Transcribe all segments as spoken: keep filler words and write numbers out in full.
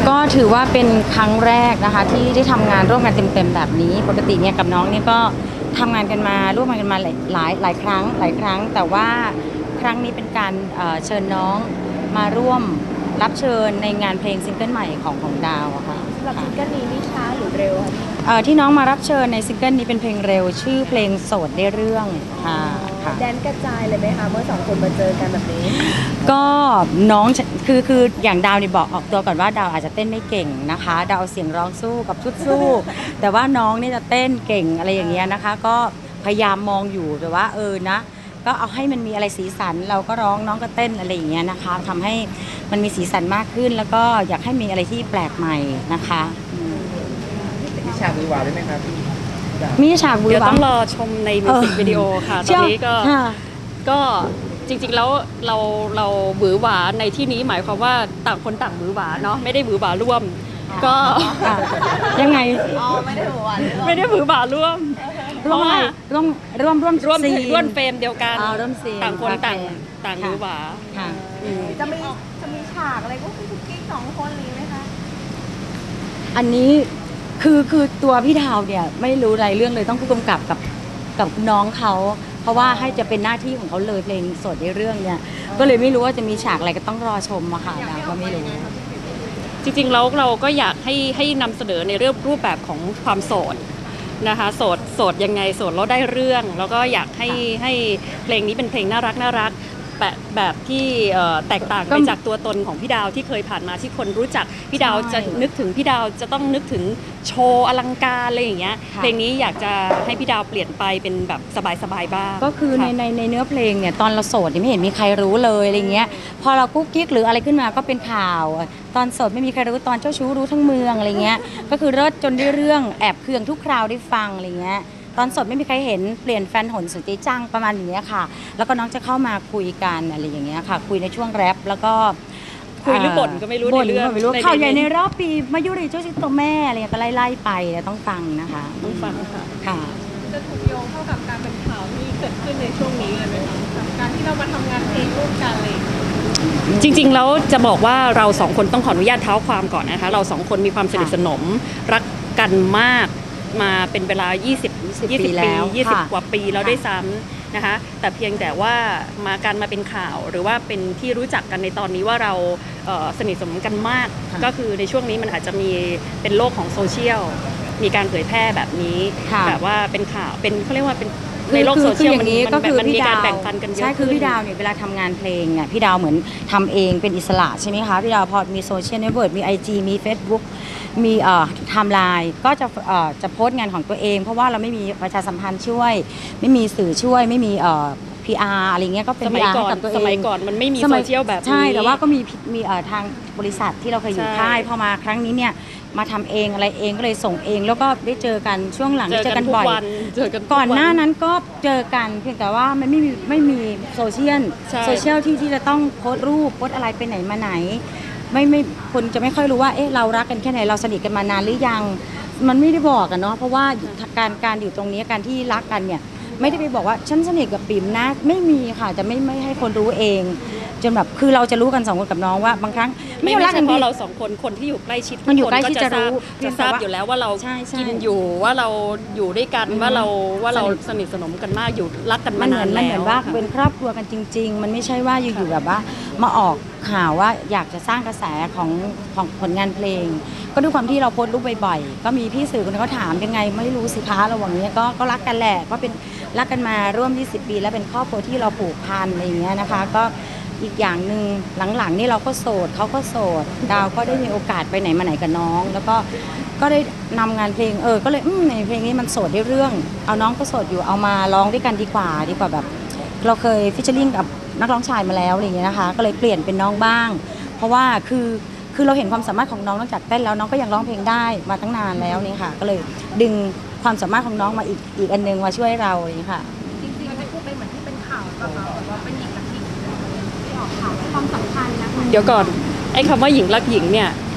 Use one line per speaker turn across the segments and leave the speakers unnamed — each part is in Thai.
ก็ถือว่าเป็นครั้งแรกนะคะที่ได้ทำงานร่วมกันเต็มๆแบบนี้ปกติเนี่ยกับน้องเนี่ยก็ทำงานกันมาร่วมกันมาหลายหลายหลายครั้งหลายครั้งแต่ว่าครั้งนี้เป็นการเชิญน้องมาร่วมรับเชิญในงานเพลงซิงเกิลใหม่ของของดาวอะค่ะ
สำหรับซิงเกิลนี้นี่ช้าหรือเร็ว
คะที่น้องมารับเชิญในซิงเกิลนี้เป็นเพลงเร็วชื่อเพลงโสดได้เรื่องค่ะ
แดนกระจายเลยไหมคะเมื่อสองคนมาเจอกันแบบนี้
ก็น้องคือคืออย่างดาวนี่บอกออกตัวก่อนว่าดาวอาจจะเต้นไม่เก่งนะคะดาวเสียงร้องสู้กับชุดสู้แต่ว่าน้องนี่จะเต้นเก่งอะไรอย่างเงี้ยนะคะก็พยายามมองอยู่แต่ว่าเออนะก็เอาให้มันมีอะไรสีสันเราก็ร้องน้องก็เต้นอะไรอย่างเงี้ยนะคะทำให้มันมีสีสันมากขึ้นแล้วก็อยากให้มีอะไรที่แปลกใหม่นะคะ
มีฉากวิวาด้วยไหมครับพี่
มีฉากวิวาเดี๋
ยวต้องรอชมในมิวสิกวิดีโอค่ะตอนนี้ก็ก็จริงๆแล้วเราเราหวือหวาในที่นี้หมายความว่าต่างคนต่างหวือหวาเนาะไม่ได้หวือหวาร่วมก็
ยังไง
อ๋อไม่ได้หวือหวา
ไม่ได้หวือหวาร่วม
ร่วมร่วมร่วมร่วม
ร่วมร่วมเฟรมเดียวกันต่างคนต่างต่างหวือหวา
จะมีจะมีฉากอะไรก็คือคุกกี้สองคนนี้ไหมคะ
อันนี้คือคือตัวพี่ดาวเนี่ยไม่รู้อะไรเรื่องเลยต้องผู้กำกับกับกับน้องเขาเพราะว่าให้จะเป็นหน้าที่ของเขาเลยเพลงสดในเรื่องเนี่ยก็เลยไม่รู้ว่าจะมีฉากอะไรก็ต้องรอชมอะค่ะดาวก็ไม่รู้
จริงๆแล้วเราก็อยากให้ให้นำเสนอในเรื่องรูปแบบของความโสดนะคะโสดโสดยังไงโสดแล้วได้เรื่องแล้วก็อยากให้ให้เพลงนี้เป็นเพลงน่ารักน่ารักแบบแบบที่แตกต่างไปจากตัวตนของพี่ดาวที่เคยผ่านมาที่คนรู้จักพี่ดาวจะนึกถึงพี่ดาวจะต้องนึกถึงโชว์อลังการอะไรอย่างเงี้ยเพลงนี้อยากจะให้พี่ดาวเปลี่ยนไปเป็นแบบสบายๆบ้าง
ก็คือในในในเนื้อเพลงเนี่ยตอนเราโสดไม่เห็นมีใครรู้เลยอะไรเงี้ยพอเรากุ๊กกิ๊กหรืออะไรขึ้นมาก็เป็นข่าวตอนโสดไม่มีใครรู้ตอนเจ้าชู้รู้ทั้งเมืองอะไรเงี้ยก็คือเลิศจนได้เรื่องแอบเคืองทุกคราวได้ฟังอะไรเงี้ยตอนสดไม่มีใครเห็นเปลี่ยนแฟนหนสุดใจจังประมาณอย่างนี้ค่ะแล้วก็น้องจะเข้ามาคุยกันอะไรอย่างเงี้ยค่ะคุยในช่วงแรปแล้วก็
คุยหรือบ่นก็ไม่รู้ในเรื่อง
ไม่รู้ข่าวใหญ่ในรอบปีมายุริเจ้าชิดตัวแม่อะไรก็ไล่ๆไปต้องฟังนะคะ
ต้องฟังค่ะ
ค่ะ
จะถูกโยงเข้ากับการเป็นข่าวที่เกิดขึ้นในช่วงนี้เลยไหมคะการที่เรามาทำงานเพลงร่วมกันเลย
จริงๆแล้วจะบอกว่าเราสองคนต้องขออนุญาตเท้าความก่อนนะคะเราสองคนมีความสนิทสนมรักกันมากมาเป็นเวลายี่สิบ ยี่สิบปียี่สิบกว่าปีแล้วด้วยซ้ำนะคะแต่เพียงแต่ว่ามาการมาเป็นข่าวหรือว่าเป็นที่รู้จักกันในตอนนี้ว่าเราสนิทสนมกันมากก็คือในช่วงนี้มันอาจจะมีเป็นโลกของโซเชียลมีการเผยแพร่แบบนี้แบบว่าเป็นข่าวเป็นเขาเรียกว่าเป็นในโลกโซเชียลมันมันมีการแบ่งปันกันเยอะ
ใช่คือพี่ดาวเนี่ยเวลาทำงานเพลงเนี่ยพี่ดาวเหมือนทำเองเป็นอิสระใช่ไหมคะพี่ดาวพอมีโซเชียลเน็ตเวิร์กมี ไอ จี มี เฟซบุ๊ก มีเอ่อไทม์ไลน์ก็จะเอ่อจะโพสต์งานของตัวเองเพราะว่าเราไม่มีประชาสัมพันธ์ช่วยไม่มีสื่อช่วยไม่มีเอ่อ พี อาร์ อะไรเงี้ยก็เป็น พี อาร์ ให้กับตัวเอง
สมัยก่อนมันไม่มีโซเชียลแบบนี้
ใช่แต่ว่าก็มีมีเอ่อทางบริษัทที่เราเคยอยู่ค่ายพอมาครั้งนี้เนี่ยมาทำเองอะไรเองก็เลยส่งเองแล้วก็ได้เจอกันช่วงหลังได้เจอกันบ่อยก่อนหน้านั้นก็เจอกันเพียงแต่ว่ามันไม่มีไม่มีโซเชียลโซเชียลที่ที่จะต้องโพสต์รูปโพสต์อะไรไปไหนมาไหนไม่ไม่คนจะไม่ค่อยรู้ว่าเอ๊ะเรารักกันแค่ไหนเราสนิทกันมานานหรือยังมันไม่ได้บอกกันเนาะเพราะว่าการการอยู่ตรงนี้การที่รักกันเนี่ยไม่ได้ไปบอกว่าฉันสนิทกับปิ๋มนะไม่มีค่ะจะไม่ไม่ให้คนรู้เองจนแบบคือเราจะรู้กันสองคนกับน้องว่าบางครั้ง
ไม่ใช่เฉพาะเราสองคนคนที่อยู่ใกล้ชิด
มันอยู่ใกล้ชิดจะรู้
จะทราบอยู่แล้วว่าเรากินอยู่ว่าเราอยู่ด้วยกันว่าเราว่าเราสนิทสนมกันมากอยู่รักกันมานานแล้ว
มันเหมือนว่าเป็นครอบครัวกันจริงๆมันไม่ใช่ว่าอยู่ๆแบบว่ามาออกข่าวว่าอยากจะสร้างกระแสของของผลงานเพลงก็ด้วยความที่เราโพสต์รูปบ่อยๆก็มีพี่สื่อคนนึงเขาถามยังไงไม่รู้สิคะระหว่างนี้ก็ก็รักกันแหละก็เป็นรักกันมาร่วมยี่สิบปีแล้วเป็นครอบครัวที่เราผูกพันอะไรอย่างเงี้ยนะคะก็อีกอย่างหนึ่งหลังๆนี่เราก็โสดเขาก็โสดดาวก็ได้มีโอกาสไปไหนมาไหนกับน้องแล้วก็ก็ได้นำงานเพลงเออก็เลยอืมในเพลงนี้มันโสดได้เรื่องเอาน้องก็โสดอยู่เอามาร้องด้วยกันดีกว่าดีกว่าแบบเราเคยฟิชเชอร์ลิงกับนักร้องชายมาแล้วอะไรอย่างเงี้ยนะคะก็เลยเปลี่ยนเป็นน้องบ้างเพราะว่าคือคือเราเห็นความสามารถของน้องนอกจากเต้นแล้วน้องก็ยังร้องเพลงได้มาตั้งนานแล้วนี่ค่ะก็เลยดึงความสามารถของน้องมาอีกอีกอันนึงมาช่วยเราอะไรอย่างนี้ค่ะ
จริงๆมันจะเป็นเหมือนที่เป็นข่าวแบบว่าเป็นหญิงกับหญิงที่ออกข่าวความสัมพันธ์นะคะ
เดี๋ยวก่อนไอ้คำว่าหญิงรักหญิงเนี่ย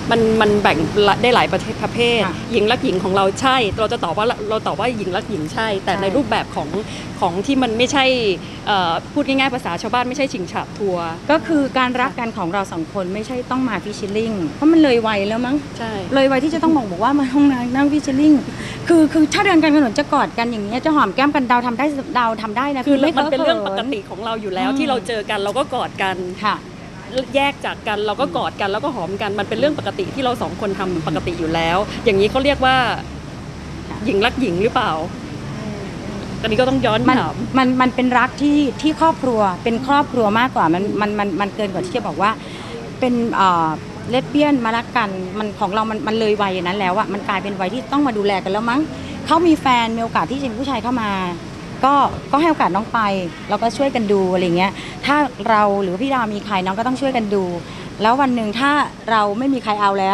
มันมันแบ่งได้หลายประเภทประเภท
ค่ะ
หญิงรักหญิงของเราใช่ เราจะตอบว่าเราตอบว่าหญิงรักหญิงใช่ แต่
ใช่
ในรูปแบบของของที่มันไม่ใช่เอ่อพูดง่ายๆภาษาชาวบ้านไม่ใช่ชิงฉาบทัวร์
ก็คือการรักกันของเราสองคนไม่ใช่ต้องมาฟิชชิลลิ่งเพราะมันเลยวัยแล้วมั้ง
ใช่
เลยวัยที่จะต้องบอกบอกว่ามาห้องน้ำนั่งฟิชชิลลิ่งคือคือถ้าเดินกันถนนจะกอดกันอย่างเงี้ยจะหอมแก้มกันดาวทำได้ดาวทำได้นะ
คือ
ไม่
มันเป็นเรื่องป
ขิ
กติของเราอยู่แล้ว
อืม
ที่เราเจอกันเราก็กอดกัน
ค่ะ
แยกจากกันเราก็กอดกันแล้วก็หอมกันมันเป็นเรื่องปกติที่เราสองคนทำปกติอยู่แล้ว อย่างนี้เขาเรียกว่าหญิงรักหญิงหรือเปล่าตอนนี้ก็ต้องย้อน
มัน
ถาม
มันมันเป็นรักที่ที่ครอบครัวเป็นครอบครัวมากกว่ามันมันมันมันเกินกว่าที่จะบอกว่าเป็นเอ่อเลสเบี้ยนมารักกันมันของเรามันมันเลยวัยอย่างนั้นแล้วอะมันกลายเป็นวัยที่ต้องมาดูแลกันแล้วมั้งเขามีแฟนมีโอกาสที่จะมีผู้ชายเข้ามา ก็ก็ให้โอกาสน้องไปเราก็ช่วยกันดูอะไรเงี้ยถ้าเราหรือพี่ดาวมีใครน้องก็ต้องช่วยกันดู แล้ววันหนึ่งถ้าเราไม่มีใครเอาแล้ว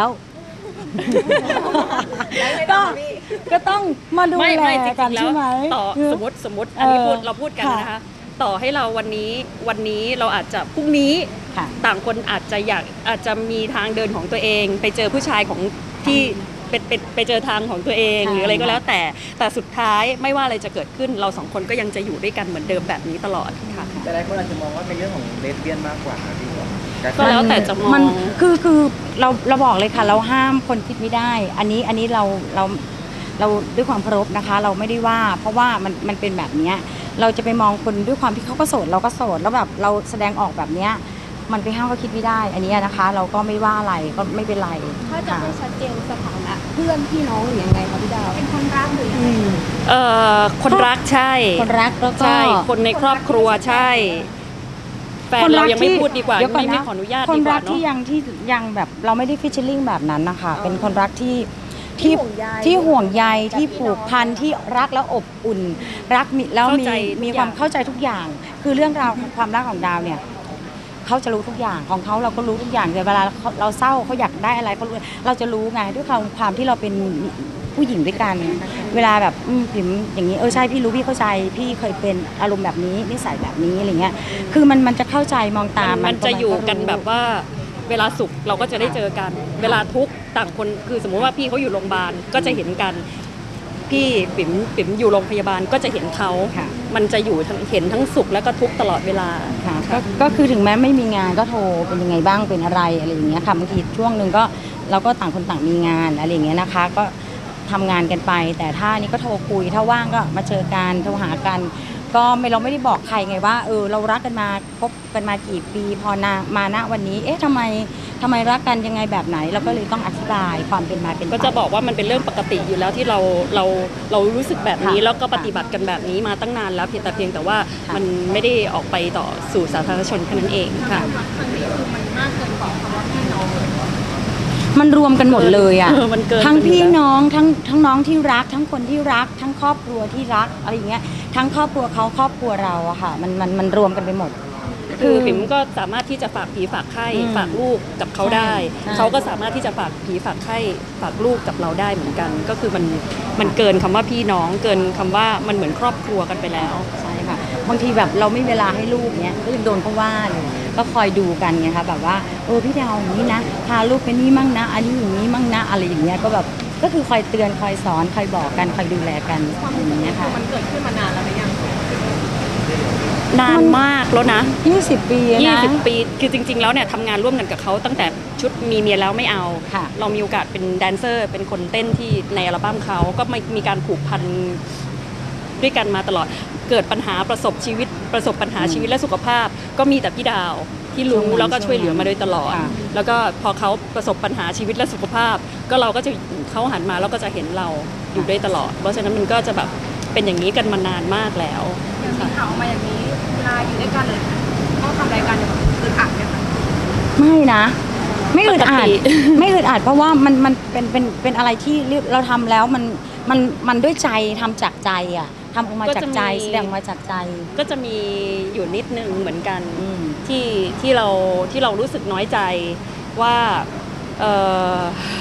ก็ก็ต้องมาดู
ไม่
แล
ไม่จริ
กัน
งๆแล้ว
ใช่ไหม
ต่อสมมติสมมติอันนี้พูดเราพูดกัน
ค่ะ
นะคะ ต่อให้เราวันนี้วันนี้เราอาจจะพรุ่งนี้
ค่ะ
ต่างคนอาจจะอยากอาจจะมีทางเดินของตัวเอง ไปเจอผู้ชายของที่ไปไปไปเจอทางของตัวเอง
ใช่
หรืออะไรก็แล้วแต่แต่สุดท้ายไม่ว่าอะไรจะเกิดขึ้นเราสองคนก็ยังจะอยู่ด้วยกันเหมือนเดิมแบบนี้ตลอดค่ะ
แต่หลายคนอาจจะมองว่าเป็นเรื่องของเลสเบี้ยนมากกว่านะพี่บอก
ก็แล้วแต่จะมอง
นคือคือเราเราบอกเลยค่ะ เราห้ามคนคิดไม่ได้ อันนี้อันนี้เราเราเราด้วยความเคารพนะคะ เราไม่ได้ว่า เพราะว่ามันมันเป็นแบบเนี้ยเราจะไปมองคนด้วยความที่เขาก็โสดเราก็โสดแล้วแบบเราแสดงออกแบบเนี้ยมันไปห้ามก็คิดไม่ได้ อันนี้นะคะ เราก็ไม่ว่าอะไรก็ไม่เป็นไร
ถ้าจะ
ค่ะ
ให้ชัดเจนสถานะเพื่อนพี่น้องหรือยังไงคะพี่ดาวเป็นคนรักหรือยังไง
เอ่อคนรักใช่
คนรักแล้วก็
ใช่คนในครอบครัวใช่แฟนเรายังไม่พูดดีกว่า
เยว
ไม่
นะ
ไม่ขออนุญาต
คน
ดีก
รั
ว่าก เนาะ
ที่ยังที่ยังแบบเราไม่ได้ฟิชเชอร์ลิงแบบนั้นนะคะ เป็นคนรักที่ที่
ห่วงใย
ที่ห่วงใย
แบบ
ที่
พี่
ผู
น้
ก
อง
พันที่รักแล้วอบอุ่น รักมีแล้ว
เข้า
มี
ใจ
มี
ทุก
ความ
อย่าง
เข้าใจทุกอย่าง คือเรื่องราวของความรักของดาวเนี่ยเขาจะรู้ทุกอย่างของเขาเราก็รู้ทุกอย่างแต่เวลาเขาเราเศร้าเขาอยากได้อะไรเขารู้เราจะรู้ไงด้วยความความที่เราเป็นผู้หญิงด้วยกัน เวลาแบบอืมผิมอย่างนี้เออใช่พี่รู้พี่เข้าใจพี่เคยเป็นอารมณ์แบบนี้นิสัยแบบนี้อะไรเงี้ยคือมันมันจะเข้าใจมองตาม
มันจะอยู่กันแบบ
ว่า
ว่าเวลาสุขเราก็จะได้เจอกัน เวลาทุกข์ต่างคนคือสมมุติว่าพี่เขาอยู่โรงพยาบาลก็จะเห็นกัน พี่ปิ๋มปิ๋มอยู่โรงพยาบาลก็จะเห็นเขา
ค่ะ
มันจะอยู่ทั้งเห็นทั้งสุขและก็ทุกข์ตลอดเวลา
ค่ะก็ก็คือถึงแม้ไม่มีงานก็โทรเป็นยังไงบ้างเป็นอะไรอะไรอย่างเงี้ยค่ะบางทีช่วงหนึ่งก็เราก็ต่างคนต่างมีงานอะไรอย่างเงี้ยนะคะ ก็ทำงานกันไป แต่ถ้านี่ก็โทรคุยถ้าว่างก็มาเจอกันโทรหากัน ก็ไม่เราไม่ได้บอกใครไงว่าเออเรารักกันมาคบกันมากี่ปีพอนามาณวันนี้ เอ๊ะทำไมทำไมรักกันยังไงแบบไหน เราก็เลยต้องอธิบายความเป็นมาเป็นไป
ก็จะบอกว่ามันเป็นเรื่องปกติอยู่แล้วที่เราเราเรารู้สึกแบบนี้
ค่ะ
แล้วก็ปฏิบัติกันแบบนี้มาตั้งนานแล้วเพียงแต่เพียงแต่ว่า
ค่ะ
มันไม่ได้ออกไปต่อสู่สาธารณชนแค่นั้นเองค่ะ
ครั้งนี้คือมันมากเกินกว่าคำว่าพี่น้องเลย
มันรวมกันหมดเลยอ่ะ
เออมันเกิน
ทั้ง
ไปอยู่
พี่
แล้ว
น้องทั้งทั้งน้องที่รัก ทั้งคนที่รัก ทั้งครอบครัวที่รักอะไรอย่างเงี้ยทั้งครอบครัวเขาครอบครัวเราอะค่ะ มันมันมันรวมกันไปหมด
คือปิ๋มก็สามารถที่จะฝากผีฝากไข้
อืม
ฝากลูกกับเขาได้
ใช่
เขาก็สามารถที่จะฝากผีฝากไข้ฝากลูกกับเราได้เหมือนกัน ก็คือมันมันเกินคำว่าพี่น้องเกินคำว่ามันเหมือนครอบครัวกันไปแล้ว
ใช่ค่ะบางทีแบบเราไม่มีเวลาให้ลูกเนี้ยก็ยังโดนเขาว่าเลยก็คอยดูกันไงคะแบบว่าเออพี่ดาวอย่างนี้นะพาลูกไปนี่มั่งนะ อันนี้อย่างนี้มั่งนะอะไรอย่างเงี้ยก็แบบก็คือคอยเตือนคอยสอนคอยบอกกันคอยดูแลกันอย่างเงี้ยค่ะ
มันเกิดขึ้นมานานแล้วหรือยัง
นานมากแล้วนะ
ยี่สิบปีนะ
ยี่สิบปี คือจริง ๆ แล้วเนี่ยทำงานร่วมกันกับเขาตั้งแต่ชุดมีเมียแล้วไม่เอา
ค่ะ
เรามีโอกาสเป็นแดนเซอร์ เป็นคนเต้นที่ในอัลบั้มเขาก็ไม่มีการผูกพันด้วยกันมาตลอด เกิดปัญหาประสบชีวิต ประสบปัญหาชีวิตและสุขภาพ ก็มีแต่พี่ดาวที่รู้แล้วก็ช่วยเหลือมาโดยตลอด
ค่ะ
แล้วก็พอเขาประสบปัญหาชีวิตและสุขภาพ ก็เราก็จะเขาหันมาแล้วก็จะเห็นเราอยู่ด้วยตลอด เพราะฉะนั้นมันก็จะแบบเป็นอย่างนี้กันมานานมากแล้ว
อย่างมีข่าวออกมาอย่างนี้เวลาอยู่ด้วยกันเลยต้องทำรายการอย่างแบบอึดอัดไหมคะ
ไม่นะ ไม่อึดอัด
ปกติ
ไม่อึดอัดเพราะว่ามันมันเป็นเป็นเป็นอะไรที่เราทำแล้วมันมันมันด้วยใจทำจากใจอ่ะทำออกมาจากใจแสดงออกมาจากใจ
ก็จะมีอยู่นิดนึงเหมือนกัน
อืม
ที่ที่เราที่เรารู้สึกน้อยใจว่าเอ่อ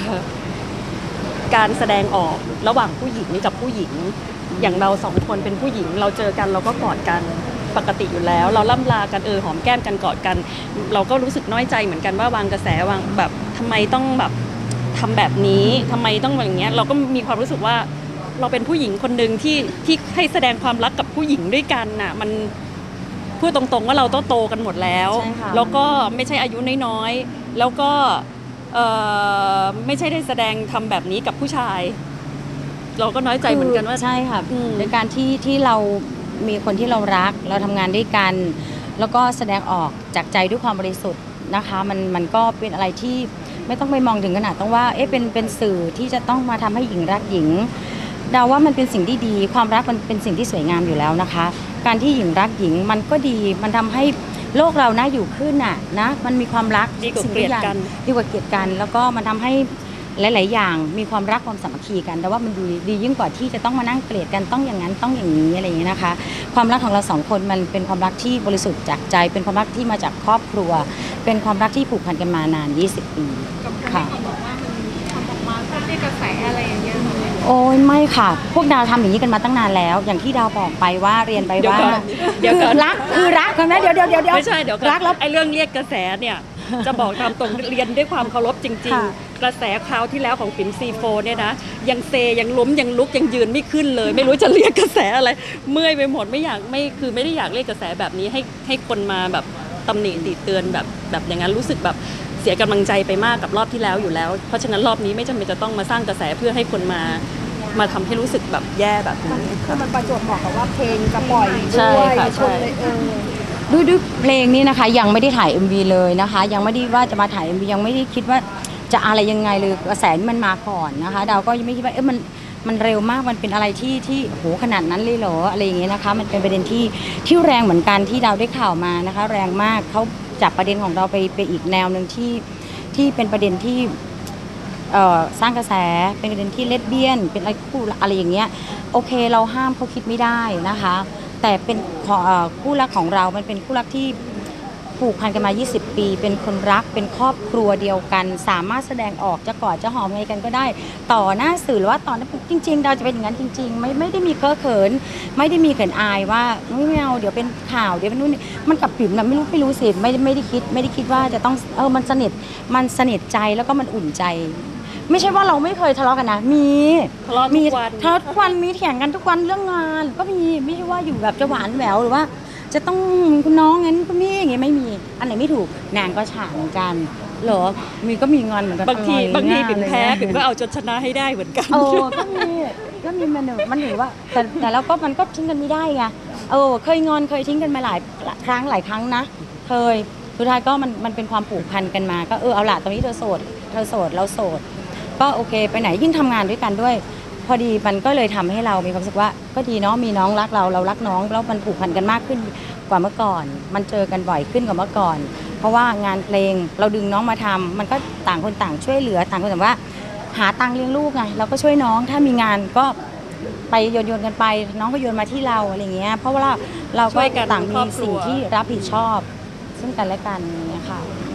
การแสดงออกระหว่างผู้หญิงกับผู้หญิง อย่างเราสองคนเป็นผู้หญิง เราเจอกันเราก็กอดกันปกติอยู่แล้ว เราล่ำลากันเออหอมแก้มกันกอดกัน เราก็รู้สึกน้อยใจเหมือนกันว่าวางกระแสวางแบบทำไมต้องแบบทำแบบนี้ทำไมต้องอย่างเงี้ยเราก็มีความรู้สึกว่าเราเป็นผู้หญิงคนหนึ่งที่ที่ให้แสดงความรักกับผู้หญิงด้วยกันน่ะมันพูดตรงๆว่าเราต้องโตกันหมดแล้ว
ใช่ค่ะ
แล้วก็ไม่ใช่อายุน้อยๆแล้วก็เอ่อไม่ใช่ได้แสดงทำแบบนี้กับผู้ชาย เราก็น้อยใจเหมือนกันว่า
ใช่ค่ะ
อืม
ในการที่ที่เรามีคนที่เรารักเราทำงานด้วยกัน แล้วก็แสดงออกจากใจด้วยความบริสุทธิ์นะคะมันมันก็เป็นอะไรที่ไม่ต้องไปมองถึงขนาดต้องว่าเอ๊ะเป็นเป็นสื่อที่จะต้องมาทำให้หญิงรักหญิงเดาว่ามันเป็นสิ่งที่ดีความรักมันเป็นสิ่งที่สวยงามอยู่แล้วนะคะ การที่หญิงรักหญิงมันก็ดีมันทำให้โลกเราน่าอยู่ขึ้นน่ะนะมันมีความรัก
ดีกว่า
สิ่ง
เกลียด
ทุอย่าง
กัน
ดีกว่าเกลียดกัน แล้วก็มันทำให้หลาย ๆ อย่างมีความรักความสามัคคีกันแต่ว่ามันดีดียิ่งกว่าที่จะต้องมานั่งเกลียดกันต้องอย่างนั้นต้องอย่างนี้อะไรอย่างนี้นะคะ ความรักของเราสองคนมันเป็นความรักที่บริสุทธิ์จากใจ เป็นความรักที่มาจากครอบครัว เป็นความรักที่ผูกพันกันมานานยี่สิบปี
กับคน
ค่ะ
ที่เขาบอกว่ามันทำออกมาเพื่อได้กระแสอะไรอย่างเงี้ยค่ะ
โอ้ยไม่ค่ะ พวกดาวทำอย่างนี้กันมาตั้งนานแล้ว อย่างที่ดาวบอกไปว่าเรียนไป
เดี๋ยว
ว่า
ก่อนเดี๋ยวก่อน
คือรักคือรักกันนะเดี๋ยวเดี๋ยวเดี๋ยวเดี๋ยว
ไม่ใช่เดี๋ยวก่อน
รักแล้ว
ไอ้เรื่องเรียกกระแสเนี่ยจะบอกตามตรงเรียนด้วยความเคารพจริง
ค่ะ
ๆ กระแสคราวที่แล้วของปิ่มซีโฟเนี่ยนะยังเซยังล้มยังลุกยังยืนไม่ขึ้นเลย ไม่รู้จะเรียกกระแสอะไร เมื่อยไปหมดไม่อยากไม่คือไม่ได้อยากเรียกกระแสแบบนี้ให้ให้คนมาแบบตำหนิติเตือนแบบแบบอย่างนั้นรู้สึกแบบเสียกำลังใจไปมากกับรอบที่แล้วอยู่แล้ว เพราะฉะนั้นรอบนี้ไม่จำเป็นจะต้องมาสร้างกระแสเพื่อให้คนมามาทำให้รู้สึกแบบแย่แบบนี้
คือมันประจวบเหมาะกับว่าเพลงจะปล่อย
ใช่
ด้วย
ค่ะ
คน
ใช่
เลยเออ
ด้วยด้วยเพลงนี้นะคะยังไม่ได้ถ่าย เอ็ม วี เลยนะคะ ยังไม่ได้ว่าจะมาถ่าย เอ็ม วี ยังไม่ได้คิดว่าจะอะไรยังไงเลยกระแสนี่มันมาก่อนนะคะดาวก็ยังไม่คิดว่าเอ๊ะมันมันเร็วมากมันเป็นอะไรที่ที่โหขนาดนั้นเลยเหรออะไรอย่างเงี้ยนะคะมันเป็นประเด็นที่ที่แรงเหมือนกันที่ดาวได้ข่าวมานะคะ แรงมากเขาจับประเด็นของเราไปไปอีกแนวหนึ่งที่ที่เป็นประเด็นที่เอ่อสร้างกระแสเป็นประเด็นที่เลสเบี้ยนเป็นอะไรคู่อะไรอย่างเงี้ยโอเคเราห้ามเขาคิดไม่ได้นะคะ แต่เป็นของเอ่อคู่รักของเรามันเป็นคู่รักที่ผูกพันกันมา ยี่สิบ ปี เป็นคนรัก เป็นครอบครัวเดียวกัน สามารถแสดงออกจะกอดจะหอมไงกันก็ได้ ต่อหน้าสื่อหรือว่าต่อหน้าจริงๆ เราจะเป็นอย่างนั้นจริง ๆ ไม่ไม่ได้มีเคอะเขิน ไม่ได้มีเขินอายว่าไม่เอาเดี๋ยวเป็นข่าวเดี๋ยวเป็นนู่นนี่มันกับปิ่มนะไม่รู้ไม่รู้สิไม่ไม่ได้คิดไม่ได้คิดว่าจะต้องเออมันสนิทมันสนิทใจแล้วก็มันอุ่นใจ ไม่ใช่ว่าเราไม่เคยทะเลาะกันนะ มี
ทะเลาะทุกวัน
มีทะเลาะทุกวันมีเถียงกันทุกวันเรื่องงาน ก็มีไม่ใช่ว่าอยู่แบบจะหวานแหววหรือว่า จะต้องคุณน้องงั้นก็มีอย่างเงี้ยไม่มีอันไหนไม่ถูกนางก็ฉาเหมือนกันเหรอมีก็มีงอนเหมือนกัน
บางที
อะไร
บางที
เงี้ย
ปิ่มแพ้
อะไรเงี้ย
ปิ่มก็เอาจนชนะให้ได้เหมือนกัน
โอ้ก็มีก็มีมันมันถือว่าแต่แต่แล้วก็มันก็ทิ้งกันไม่ได้ไงเออเคยงอนเคยทิ้งกันมาหลายครั้งหลายครั้งนะเคยสุดท้ายก็มันมันเป็นความผูกพันกันมาก็เออเอาล่ะตอนนี้เธอโสดเธอโสดเราโสดก็โอเคไปไหนยิ่งทำงานด้วยกันด้วย พอดีมันก็เลยทำให้เรามีความรู้สึกว่าก็ดีเนาะมีน้องรักเราเรารักน้องแล้วมันผูกพันกันมากขึ้นกว่าเมื่อก่อน มันเจอกันบ่อยขึ้นกว่าเมื่อก่อน เพราะว่างานเพลงเราดึงน้องมาทำมันก็ต่างคนต่างช่วยเหลือต่างคนแต่างว่า หาตังค์เลี้ยงลูกไงเราก็ช่วยน้องถ้ามีงานก็ไปโยนโยนกันไปน้องก็โยนมาที่เราอะไรเงี้ยเพราะว่าเราเรา
ช่
ก็
วยกัน
ต่าง
คร
มี
อบครัว
สิ่งที่รับผิดชอบ ซึ่งกันและกันอย่างเงี้ยค่ะ